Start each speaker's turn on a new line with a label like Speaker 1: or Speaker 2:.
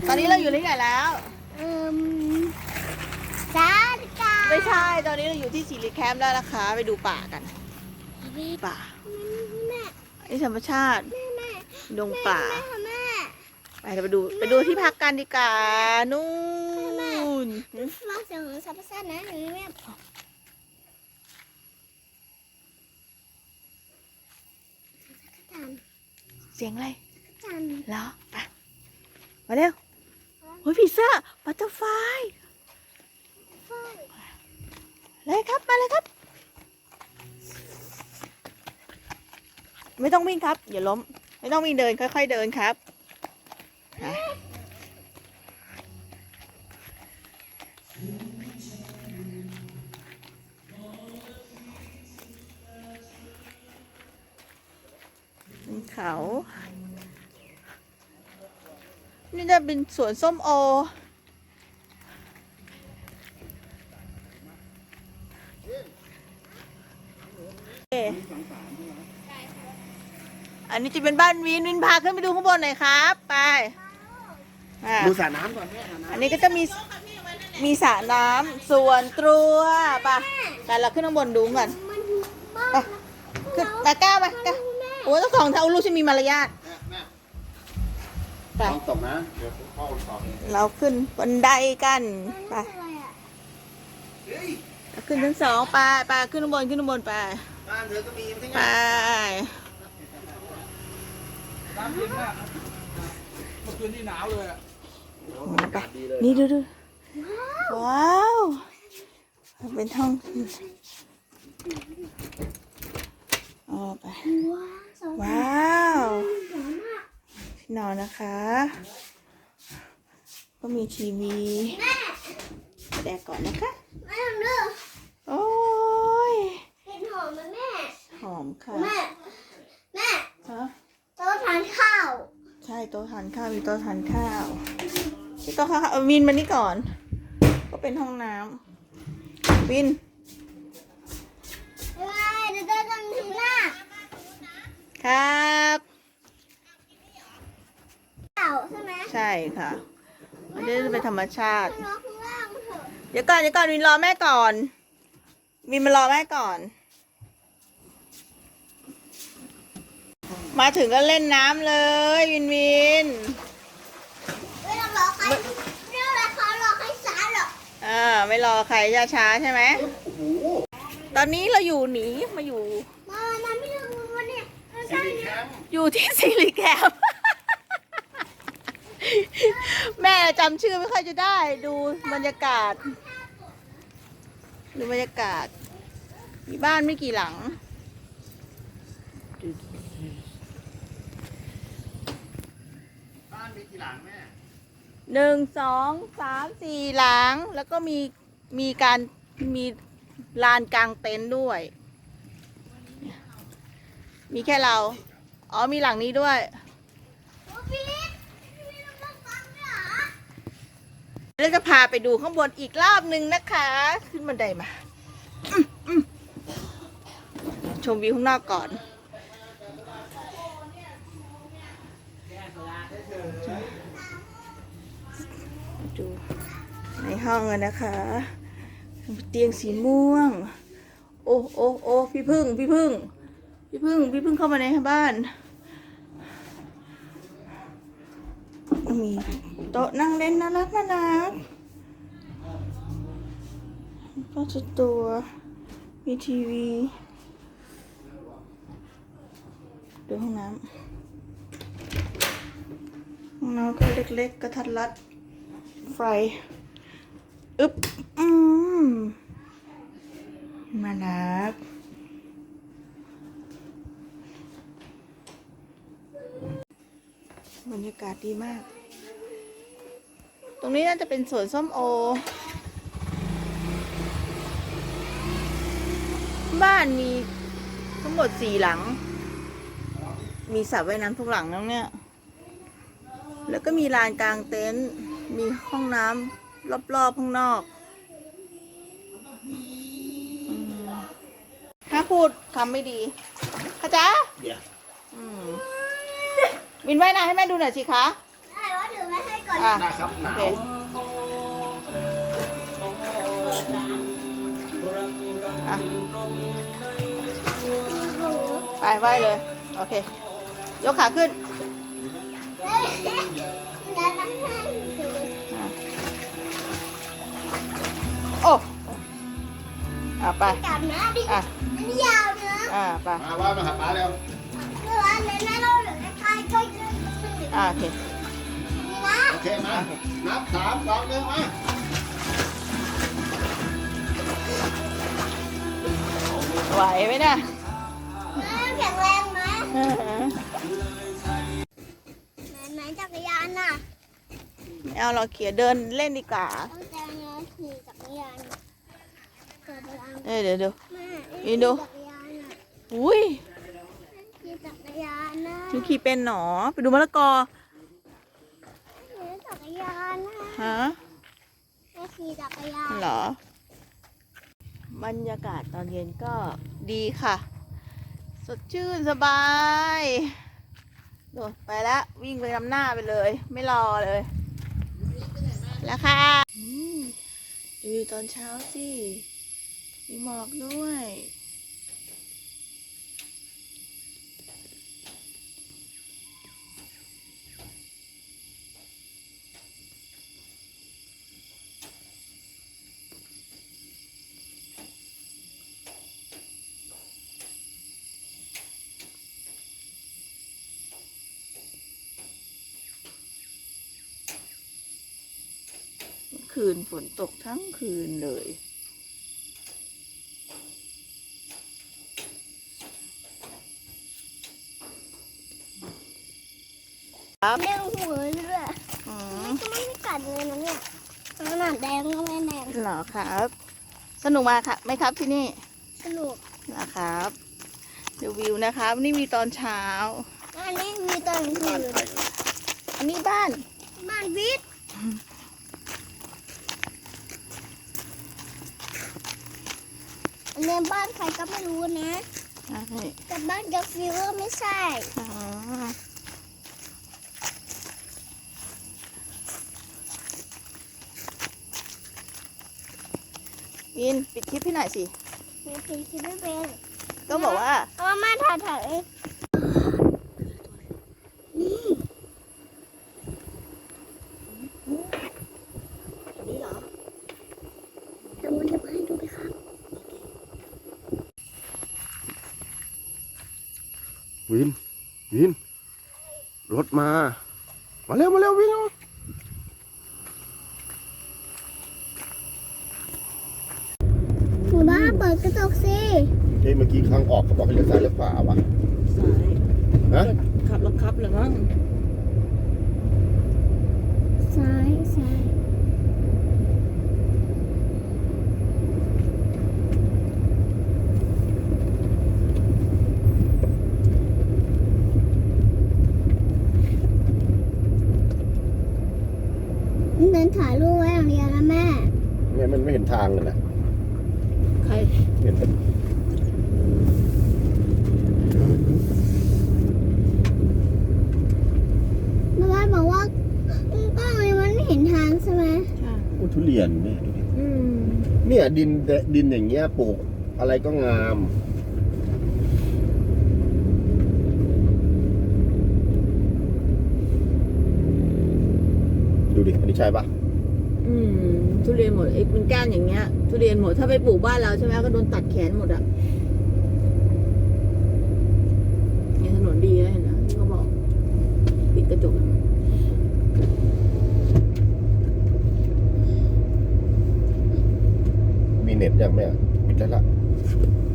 Speaker 1: ตอนนี้เราอยู่ที่ไหนแล้ว
Speaker 2: สาลิกา
Speaker 1: ไม่ใช่ตอนนี้เราอยู่ที่สิริแคมป์แล้วนะคะไปดูป่ากันป่านี่ธรรมชาติดงป่าไปเราไปดูที่พักกันดีกว่านู่น
Speaker 2: ฟังเสียงของสัตว์ประสาทนะหนูแม่
Speaker 1: เสียงอะไร
Speaker 2: จัน
Speaker 1: เหรอไปมาเร็วโอ้ยผีเสื้อบัตเตอร์ไฟเลยครับมาเลยครับ ไม่ต้องวิ่งครับอย่าล้มไม่ต้องวิ่งเดินค่อยๆเดินครับเขานี่จะเป็นสวนส้มโออันนี้จะเป็นบ้านวินพาขึ้นไปดูข้างบนหน่อยครับไป
Speaker 3: ดูสระน้ำก่อนแม่
Speaker 1: อันนี้ก็จะมีสระน้ำส่วนตัวป่ะแต่เราขึ้นข้างบนดูก่อนไปขึ้นมาก้าวมาก้าวโอ้ยต้องสองเท้าลูกฉันมีมารยาทไป
Speaker 3: ต้องตกนะเดี๋ยวพ่อตก
Speaker 1: เราขึ้นบันไดกันไปขึ้นชั้นสองไปขึ้นข้างบนไป
Speaker 3: บ้านเธอก็มีไม่ใช่
Speaker 1: ไป
Speaker 4: น้ำเย็นมากเมื่อคืนนี่หนาวเลยอ่ะ
Speaker 1: ไปนี่ดูว้าวเป็นห้องไปว้าวที่นอนนะคะก็มีทีวีแดกก่อนนะคะ
Speaker 2: แม่ดู
Speaker 1: โอ้ย
Speaker 2: เห็นหอมไหมแม่
Speaker 1: หอมค่ะ
Speaker 2: แม่
Speaker 1: ฮะ
Speaker 2: โต๊ะทานข้าว
Speaker 1: ใช่โต๊ะทานข้าวมีโต๊ะทานข้าวที่โต๊ะข้าววินมานี่ก่อนก็เป็นห้องน้ำวิน
Speaker 2: เดี๋ยวจะทำหน้า
Speaker 1: ครับ
Speaker 2: ข้าวใช่ไหม
Speaker 1: ใช่ค่ะมันจะเป็นธรรมชาติ
Speaker 2: น้องข้างล่างเถอะ
Speaker 1: เดี๋ยวก่อนวินรอแม่ก่อนวินมารอแม่ก่อน มาถึงก็เล่นน้ำเลยวิน
Speaker 2: ไม่ต้องรอใครไม่ต้องรอเขารอใครสารหรอก
Speaker 1: ไม่รอใครช้าใช่ไหมตอนนี้เรามาอยู่
Speaker 2: มาไม่ถึงวันนี้ใช่เนี่ย
Speaker 1: อยู่ที่สิริแคมป์ แม่จำชื่อไม่ค่อยจะได้ดูบรรยากาศมีบ้านไม่กี่หลัง
Speaker 3: บ้านมีกี่หลังแม่
Speaker 1: 1 2 3 4 หลังแล้วก็มีลานกลางเต็นท์ด้วยมีแค่เรามีหลังนี้ด้วย
Speaker 2: โอ้พี่ต้องฟังด้วยเหรอ
Speaker 1: เราจะพาไปดูข้างบนอีกรอบหนึ่งนะคะ ขึ้นบันไดมาชมวิวข้างนอกก่อนดูในห้องกันนะคะเตียงสีม่วงโอ้พี่พึ่งเข้ามาในบ้านมีโต๊ะนั่งเล่นน่ารักก็จะตัวมีทีวีดูห้องน้ำก็เล็กๆกระทัดรัดไฟมารักบรรยากาศดีมากตรงนี้น่าจะเป็นสวนส้มโอบ้านมีทั้งหมด4 หลังมีสระว่ายน้ำทุกหลังแล้วเนี่ยแล้วก็มีลานกลางเต็นท์มีห้องน้ำรอบๆข้างนอกถ้าพูดคำไม่ดีเข้าใจวินว่ายน้ำให้แม่ดูหน่อยสิคะ
Speaker 2: ได้ว่าถือไว้ให้ก่อนก่อน
Speaker 1: อ่ะ
Speaker 3: นะครับห
Speaker 1: โอน
Speaker 3: าว
Speaker 1: เคอ่ะไปไหวเลย โอเค ยกขาขึ้น
Speaker 2: เฮ้ยแล้วต้องให้ดู
Speaker 1: อ่ะโอ้ไป
Speaker 2: กลับนะดิ
Speaker 1: อ่ะ
Speaker 2: อันนี้ยาวนะ
Speaker 1: ไป
Speaker 3: มาว่ามาหาป้าเร็ว
Speaker 2: เมื่อวานเลยนะเราเหลือใกล้ๆก็เยอะขึ้น
Speaker 1: โอเค
Speaker 2: นี่นะ
Speaker 3: โอเคมานับ3 2 1มา
Speaker 1: ไหวไหมเนี่ย
Speaker 2: แข็งแรงไหม
Speaker 1: เออ
Speaker 2: ไหนจักรยานน่ะ
Speaker 1: ไม่เอาเราเขียเดินเล่นดีกว่า
Speaker 2: ต้องแต่งงานขี่จักรยานเกิดพลัง
Speaker 1: เดี๋ยว
Speaker 2: แม่
Speaker 1: นี่ดู
Speaker 2: จักรยานน่ะ
Speaker 1: อุ้ย
Speaker 2: ขี่จักรยานนะ
Speaker 1: หนูขี่เป็นหนอ ไปดูมะละกอ
Speaker 2: ขี่จักรยานนะ
Speaker 1: ฮะ
Speaker 2: แม่ขี่จักรยาน
Speaker 1: เหรอ บรรยากาศตอนเย็นก็ดีค่ะ สดชื่นสบายโดดไปแล้ววิ่งไปนำหน้าไปเลย ไม่รอเลย แล้วค่ะดูวิวตอนเช้าสิมีหมอกด้วย คืนฝนตกทั้งคืนเลย
Speaker 2: เลี้ยงหัวด้วย
Speaker 1: อืม
Speaker 2: ก็ไม่ได้กัดเลยนะเนี่ยขนาดแดงก็ไม่แดง
Speaker 1: เหรอครับ สนุกมาค่ะไหมครับที่นี่
Speaker 2: สนุก
Speaker 1: เหรอครับดูวิวนะครับ นี่มีตอนเช้า
Speaker 2: อันนี้มีตอนกลางคืน
Speaker 1: อันนี้บ้าน
Speaker 2: บ้านวิทย์อันนี้บ้านใครก็ไม่รู้นะ
Speaker 1: ใช่
Speaker 2: แต่บ้านกาฟิวไม่ใช่
Speaker 1: อ๋อวินปิดคลิปให้หน่อยสิ
Speaker 2: มีผีที่ไม่เป็น
Speaker 1: ก็บอกว่า
Speaker 2: ก็มาถ่ายนี่
Speaker 1: นี่เหรอ
Speaker 2: เดี๋ยวมันจะมาให้ดูไหมครับ
Speaker 3: วินรถมาเร็ววิน
Speaker 2: หนูบ้าเปิดกระจกสิ
Speaker 3: เมื่อกี้ข้างออกเขาบอกให้เลี้ยวซ้ายเลี้ยวขวาวะ
Speaker 1: สาย
Speaker 3: ฮะ
Speaker 1: ขับรถครับเลยมั้ง
Speaker 2: ซ้ายเดินถ่ายรูปไว้อย่างเดียวนะแม่
Speaker 3: เนี่ยมันไม่เห็นทางเลยนะ
Speaker 1: ใคร
Speaker 3: เห็นแต่
Speaker 2: แม่บ้านบอกว่ากล้องนี้มันไม่เห็นทางใช่ไหม
Speaker 1: ใช่
Speaker 3: ทุเรียนเนี่ย
Speaker 1: อืม
Speaker 3: เนี่ยดินอย่างเงี้ยปลูกอะไรก็งาม ดูดิ อันนี้ใช่ปะ
Speaker 1: ทุเรียนหมดไอ้เป็นก้านอย่างเงี้ย ทุเรียนหมด ถ้าไปปลูกบ้านเราใช่ไหมก็โดนตัดแขนหมดอ่ะเนี่ยถนนดีแล้วเห็นไหมที่เขาบอกปิดกระจก
Speaker 3: มีเน็ตยังแม่ปิดแล้วล่ะ